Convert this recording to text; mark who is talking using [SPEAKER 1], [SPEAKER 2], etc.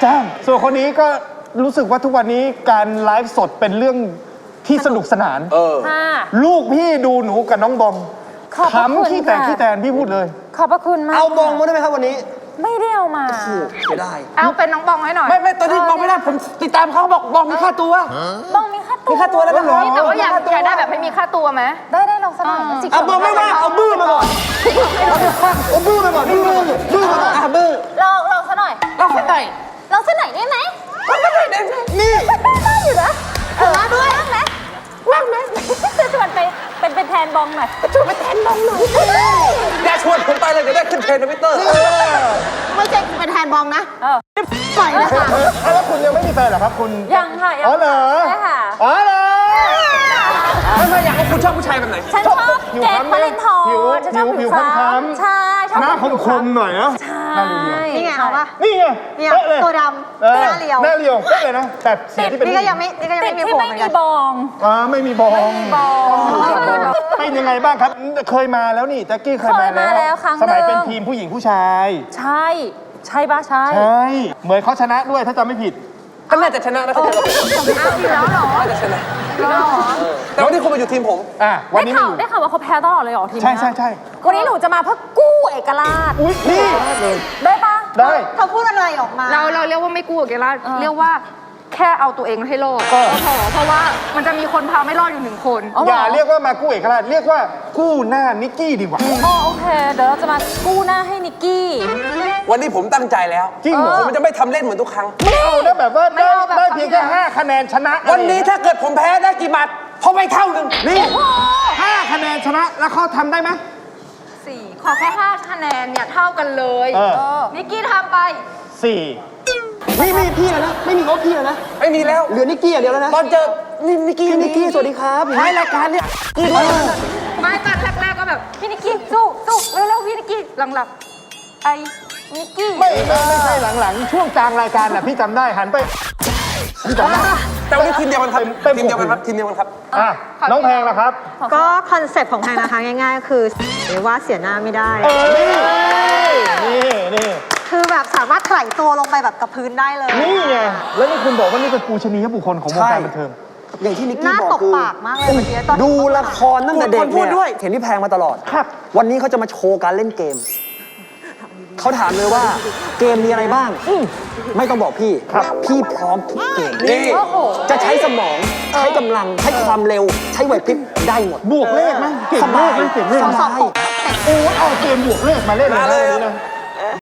[SPEAKER 1] จ้างส่วนคนนี้ก็รู้สึกว่าทุกวันนี้การไลฟ์สดเป็นเรื่องที่สนุกสนานลูกพี่ดูหนูกับน้องบอมขำขี้แตกขี้แตนพี่พูดเลย
[SPEAKER 2] ขอบพระคุณมาก
[SPEAKER 3] เอาบองมาได้ไหมครับวันนี้
[SPEAKER 2] ไม่ได้เอามา
[SPEAKER 3] เสียดาย
[SPEAKER 4] เอาเป็นน้องบองให้หน่อย
[SPEAKER 3] ไม่ตอนนี้บองไม่ได้ผมติดตามเขาบอกบองมีค่าตัว
[SPEAKER 2] บองมีค่าตัว
[SPEAKER 3] แล้วนะ
[SPEAKER 4] แต่ว่าอยากได้แบบไม่มีค่าตัวไหม
[SPEAKER 2] ได้ลองสักหน่อย
[SPEAKER 3] เอาบองไม่ว่าเอาบื้อมาก่อนเอาบื้อมาก่อนบื้อมาก่อนบื้อ
[SPEAKER 2] ลองสักหน่อย
[SPEAKER 4] ลองสักหน่อย
[SPEAKER 2] ได้ไหม
[SPEAKER 3] นี่
[SPEAKER 2] ได้อยู่นะมาด้วยว่างไหมจะชวนไปเป็นแทนบองหน่อยชวนไปแทนบองหน่อย
[SPEAKER 3] อย่าชวนผมไปเลยเดี๋ยวได้ขึ้นเทรนด์ทวิตเตอร์
[SPEAKER 2] ไม่ใช่เป็นแทนบองนะปล่อยเลยค่ะ
[SPEAKER 1] แล้วคุณยังไม่มีแฟนเหรอครับคุณ
[SPEAKER 2] ยังค่ะ
[SPEAKER 1] อ๋อเหรอ
[SPEAKER 2] ใช่ค่ะ
[SPEAKER 1] อ๋อเหรอ
[SPEAKER 3] ไม่อยากให้คุณชอบผู้ชายแบบไหน
[SPEAKER 2] ฉันชอบแจ็คพาเลนทอฉันชอบผิวค้ำใช่ชอบ
[SPEAKER 1] หน้าคมหน่อยนะ
[SPEAKER 2] ใช่นี่ไงเอาปะ
[SPEAKER 1] นี่ไงเป๊ะเลย
[SPEAKER 2] ตัวดำหน้าเรียว
[SPEAKER 1] เป๊ะเลยนะแต่สีที่เป็น
[SPEAKER 2] นี่ก็ยังไม่มีผมไม่มีบอง
[SPEAKER 1] ไม่มีบองเป็นยังไงบ้างครับเคยมาแล้วนี่แจ็คกี้เคยมาแล้วสมัยเป็นทีมผู้หญิงผู้ชาย
[SPEAKER 2] ใช่ป่ะใช่
[SPEAKER 1] เหมือนเขาชนะด้วยถ้าจำไม่ผิด
[SPEAKER 3] ก็น่าจะชนะนะเขาจะ
[SPEAKER 4] อยู่แล้วเหรอ
[SPEAKER 3] น่าจะชนะแต่วันนี้คุณมาอยู่ทีมผม
[SPEAKER 1] วันนี้
[SPEAKER 2] ได้ข่าวว่าเขาแพ้ตลอดเลยเหรอทีม
[SPEAKER 1] ใช่
[SPEAKER 2] วันนี้หนูจะมาเพื่อกู้เอกราช
[SPEAKER 1] นี่
[SPEAKER 2] ได้ปะ
[SPEAKER 1] ได้
[SPEAKER 2] เขาพูดอะไรออกมา
[SPEAKER 4] เราเรียกว่าไม่กู้เอกราชเรียกว่าแค่เอาตัวเองให้รอดเพราะว่ามันจะมีคนพาไม่รอดอยู่1 คน
[SPEAKER 1] อย่าเรียกว่ามากู้เอกราชเรียกว่ากู้หน้านิกกี้ดีกว่า
[SPEAKER 2] โอเคเดี๋ยวเราจะมากู้หน้าให้นิกกี้
[SPEAKER 3] วันนี้ผมตั้งใจแล้ว
[SPEAKER 1] จริงเหรอ
[SPEAKER 3] ผมจะไม่ทำเล่นเหมือนทุกครั้ง
[SPEAKER 1] ไม่เอานะแบบว่าได้เพียงแค่5 คะแนนชนะ
[SPEAKER 3] วันนี้ถ้าเกิดผมแพ้ได้กี่บาทพอไปเท่านึง
[SPEAKER 1] นี่5 คะแนนชนะแล้วเขาทำได้ไหม
[SPEAKER 4] 4ขอแค่5 คะแนนเนี่ยเท่ากันเลยนิกกี้ทำไป
[SPEAKER 1] 4
[SPEAKER 3] ไม่มีพี่แล้วนะไม่มีเขาพี่แล้วนะไม่มีแล้วเหลือนิกกี้อย่างเดียวแล้วนะตอนเจอนิกกี้สวัสดีครับท้ายรายการเนี่ย
[SPEAKER 4] ไม่ตอนแรกก็แบบ
[SPEAKER 2] พี่นิกกี้สู้เร็วพี่นิกกี้หลังไอ้นิกกี้
[SPEAKER 1] ไม่ใช่หลังช่วงกลางรายการน่ะพี่จำได้หันไปพี่จำได้
[SPEAKER 3] แต่วันนี้ทีมเดียวกันครับทีมเดียวกันครับ
[SPEAKER 1] น้องแพงนะครับ
[SPEAKER 5] ก็คอนเซ็ปต์ของแพงนะคะง่ายๆคือว่าเสียหน้าไม่ได้
[SPEAKER 1] นี่
[SPEAKER 5] คือแบบสามารถไถ่ตัวลงไปแบบกับพื้นได้เลย
[SPEAKER 1] นี่ไงแล้วนี่คุณบอกว่านี่เป็นปูชนียบุคคลของวงการบันเทิง
[SPEAKER 3] อย่างที่นิกกี้บอกคือ
[SPEAKER 5] น่าตกปากมากเลยเมื่อกี้ตอน
[SPEAKER 3] ดูละครตั้งแต่เด็กเนี่ยเห็นพี่แพงมาตลอด
[SPEAKER 1] ครับ
[SPEAKER 3] วันนี้เขาจะมาโชว์การเล่นเกมเขาถามเลยว่าเกมมีอะไรบ้างไม่ต้องบอกพี่พี่พร้อมทุกเกมนี่จะใช้สมองใช้กำลังใช้ความเร็วใช้ไหวพริบได้หมด
[SPEAKER 1] บวกเลขมั้ยเก่งมากเก่งเลข
[SPEAKER 3] สบาย
[SPEAKER 1] เอาเกมบวกเลขมาเล่นเลยนะ